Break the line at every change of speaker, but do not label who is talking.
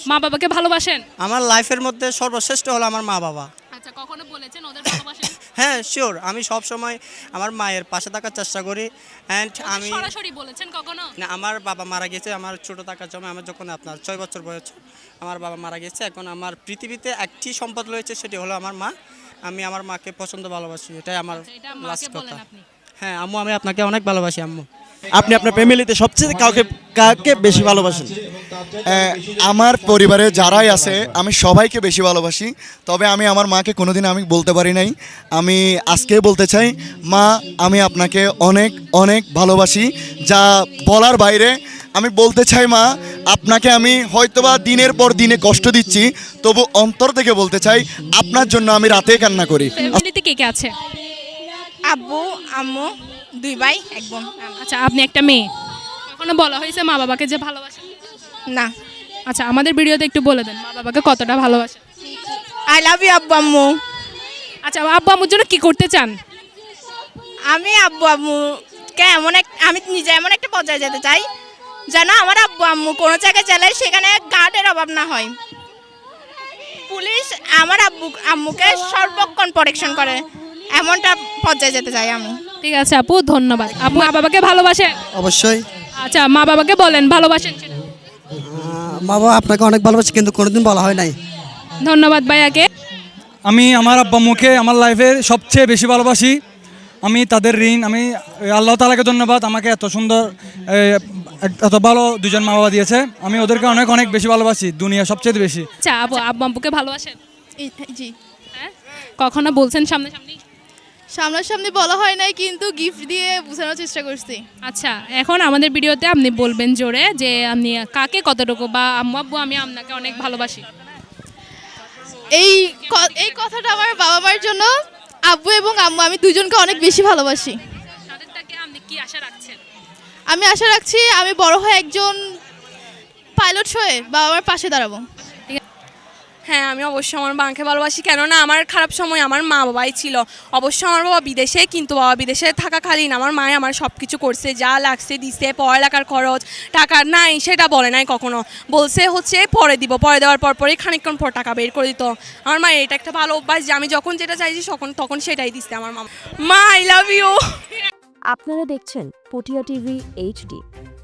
মা বাবাকে ভালোবাসেন?
আমার লাইফের মধ্যে সর্বশ্রেষ্ঠ হলো আমার মা বাবা।
আচ্ছা, কখনো বলেছেন ওদের ভালোবাসেন?
হ্যাঁ শিওর, আমি সব সময় আমার মায়ের পাশে থাকার চেষ্টা করি। অ্যান্ড আমি
সরাসরি বলেছেন কখনো?
না, আমার বাবা মারা গেছে আমার ছোট থাকার সময়, আমার যখন আপনার 6 বছর বয়স আমার বাবা মারা গেছে। এখন আমার পৃথিবীতে একটি সম্পদ রয়েছে, সেটি হলো আমার মা। আমি আমার মাকে পছন্দ ভালোবাসি, এটাই আমার
এটা
লাস্ট
মাকে
কথা।
বলেন আপনি?
হ্যাঁ আম্মু, আমি আপনাকে অনেক ভালোবাসি আম্মু।
আপনি আপনার ফ্যামিলিতে সবচেয়ে কাকে বেশি ভালোবাসেন?
আমার পরিবারে যারাই আছে আমি সবাইকে বেশি ভালোবাসি, তবে আমি আমার মাকে কোনোদিন আমি বলতে পারি নাই। আমি আজকে বলতে চাই, মা আমি আপনাকে অনেক অনেক ভালোবাসি, যা বলার বাইরে। আমি বলতে চাই মা, আপনাকে আমি হয়তোবা দিনের পর দিনে কষ্ট দিচ্ছি, তবু অন্তর থেকে বলতে চাই আপনার জন্য আমি রাতে কান্না করি।
ফ্যামিলিতে কে কে আছে?
আব্বু আম্মু 2 ভাই 1 বোন।
আচ্ছা, আপনি একটা মেয়ে, কখনো বলা হয়েছে মা বাবাকে যে ভালোবাসেন?
না।
আচ্ছা, আমাদের ভিডিওতে একটু বলে দেন মা বাবাকে কতটা ভালোবাসেন।
আই লাভ ইউ আব্বু আম্মু।
আচ্ছা, আব্বু আম্মুর জন্য কি করতে চান?
আমি আব্বু আম্মুকে আমি নিজে এমন একটা পর্যায়ে যেতে চাই যেন আমার আব্বু আম্মু কোনো জায়গায় গেলে সেখানে গার্ডের অভাব না হয়। পুলিশ আমার আম্মুকে সর্বক্ষণ প্রোটেকশন করে, এমনটা পর্যায়ে যেতে চাই আমি।
ঠিক আছে আপু, ধন্যবাদ। আপু মা বাবাকে ভালোবাসেন?
অবশ্যই।
আচ্ছা, মা বাবাকে বলেন ভালোবাসেন সেটা।
মা বাবা আপনাকে অনেক ভালোবাসে, কিন্তু কোনোদিন বলা হয় নাই।
ধন্যবাদ ভাইয়াকে।
আমি আমার আব্বা আম্মুকে আমার লাইফের সবচেয়ে বেশি ভালোবাসি। আমি তাদের ঋণ, আমি আল্লাহ তাআলাকে ধন্যবাদ আমাকে এত সুন্দর এত ভালো দুজন মা বাবা দিয়েছে। আমি ওদেরকে অনেক অনেক বেশি ভালোবাসি, দুনিয়া সবচেয়ে বেশি।
আচ্ছা আপু, আব্বু আম্মুকে ভালোবাসেন?
জি।
হ্যাঁ, কখনো বলছেন সামনাসামনি?
সামনাসামনি বলা হয় নাই, কিন্তু গিফট দিয়ে বোঝানোর চেষ্টা করছি।
আচ্ছা, এখন আমাদের ভিডিওতে আপনি বলবেন জোরে যে আপনি কাকে কতটুকু, বা আম্মু আব্বু আমি আপনাকে অনেক ভালোবাসি।
এই কথাটা আমার বাবা মার জন্য। আব্বু এবং আম্মু আমি দুজনকে অনেক বেশি ভালোবাসি।
তাদের থেকে আপনি কি আশা রাখছেন?
আমি আশা রাখছি আমি বড় হয়ে একজন পাইলট হয়ে বাবা মার পাশে দাঁড়াবো।
হ্যাঁ, আমি অবশ্যই আমার মাকে ভালোবাসি, কেননা আমার খারাপ সময় আমার মা বাবাই ছিল। অবশ্য আমার বাবা বিদেশে, কিন্তু বাবা বিদেশে থাকাকালীন আমার মায়ে আমার সব কিছু করছে, যা লাগছে দিছে, পড়ালেখার খরচ, টাকা নাই সেটা বলে নাই কখনো। বলছে হচ্ছে পরে দিব, পরে দেওয়ার পরই খানিকক্ষণ পর টাকা বের করে দিত। আমার মায়ের এটা একটা ভালো অভ্যাস যে আমি যখন যেটা চাইছি তখন সেটাই দিচ্ছে আমার মা। I love you.
আপনারা দেখছেন পটিয়া টিভি HD।